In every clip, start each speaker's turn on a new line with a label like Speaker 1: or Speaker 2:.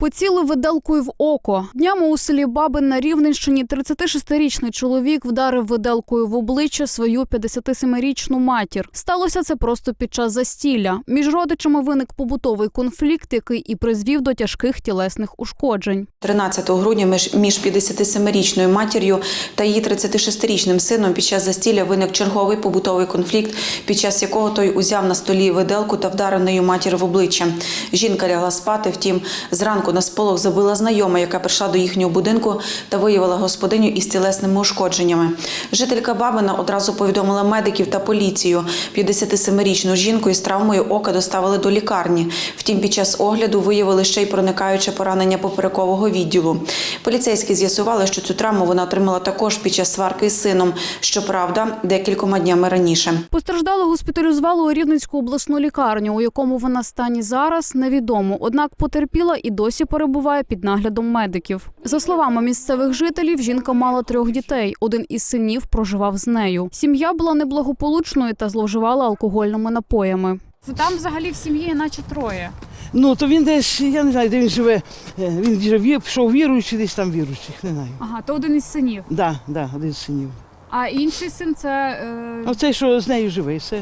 Speaker 1: Поцілив виделкою в око. Днями у селі Бабин на Рівненщині 36-річний чоловік вдарив виделкою в обличчя свою 57-річну матір. Сталося це просто під час застілля. Між родичами виник побутовий конфлікт, який і призвів до тяжких тілесних ушкоджень.
Speaker 2: 13 грудня між 57-річною матір'ю та її 36-річним сином під час застілля виник черговий побутовий конфлікт, під час якого той узяв на столі виделку та вдарив нею матір в обличчя. Жінка лягла спати, втім, зранку на сполох забила знайома, яка прийшла до їхнього будинку та виявила господиню із тілесними ушкодженнями. Жителька Бабина одразу повідомила медиків та поліцію. 57-річну жінку із травмою ока доставили до лікарні. Втім, під час огляду виявили ще й проникаюче поранення поперекового відділу. Поліцейські з'ясували, що цю травму вона отримала також під час сварки з сином. Щоправда, декількома днями раніше.
Speaker 1: Постраждалу госпіталізували у Рівненську обласну лікарню, у якому вона стані зараз, невідомо. Однак потерпіла і досі перебуває під наглядом медиків. За словами місцевих жителів, жінка мала 3 дітей. Один із синів проживав з нею. Сім'я була неблагополучною та зловживала алкогольними напоями.
Speaker 3: Там взагалі в сім'ї наче 3.
Speaker 4: Ну, то він десь, я не знаю, де він живе. Він вже пішов віруючий, десь там віруючих, не знаю.
Speaker 3: Ага, то один із синів.
Speaker 4: Так, один з синів.
Speaker 3: А інший син це...
Speaker 4: Оцей, що з нею живе, все.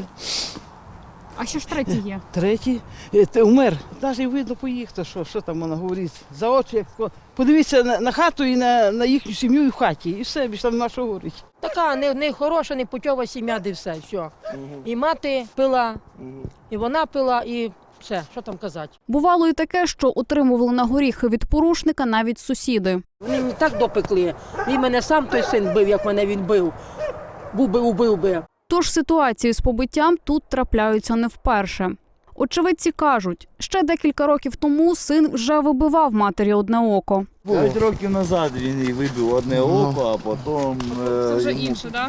Speaker 3: А що ж третій є?
Speaker 4: Третій умер. Навіть видно по їх, то що там вона говорить. За очі, як подивіться на хату і на їхню сім'ю і в хаті. І все, більше там нема що говорити.
Speaker 5: Така не хороша, не путьова сім'я, де все. І мати пила, і вона пила, і все, що там казати.
Speaker 1: Бувало і таке, що отримували на горіхи від порушника навіть сусіди.
Speaker 5: Вони мені так допекли. Він мене сам той син бив, як мене він бив. Убив би.
Speaker 1: Тож ситуації з побиттям тут трапляються не вперше. Очевидці кажуть, ще декілька років тому син вже вибивав матері одне око.
Speaker 6: 5 років назад він їй вибив одне око, а потім...
Speaker 3: Це вже інше, так?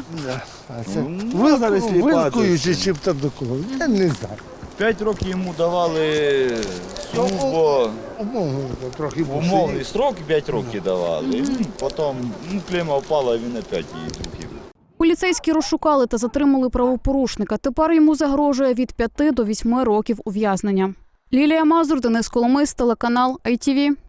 Speaker 6: Вилкуючи
Speaker 7: чи там до кого, я не знаю.
Speaker 6: 5 років йому давали службу, умовний строк 5 років давали. Потім клейма впала, він опять її трохи.
Speaker 1: Поліцейські розшукали та затримали правопорушника. Тепер йому загрожує від 5 до 8 років ув'язнення. Лілія Мазур, Денис Коломис, телеканал ITV.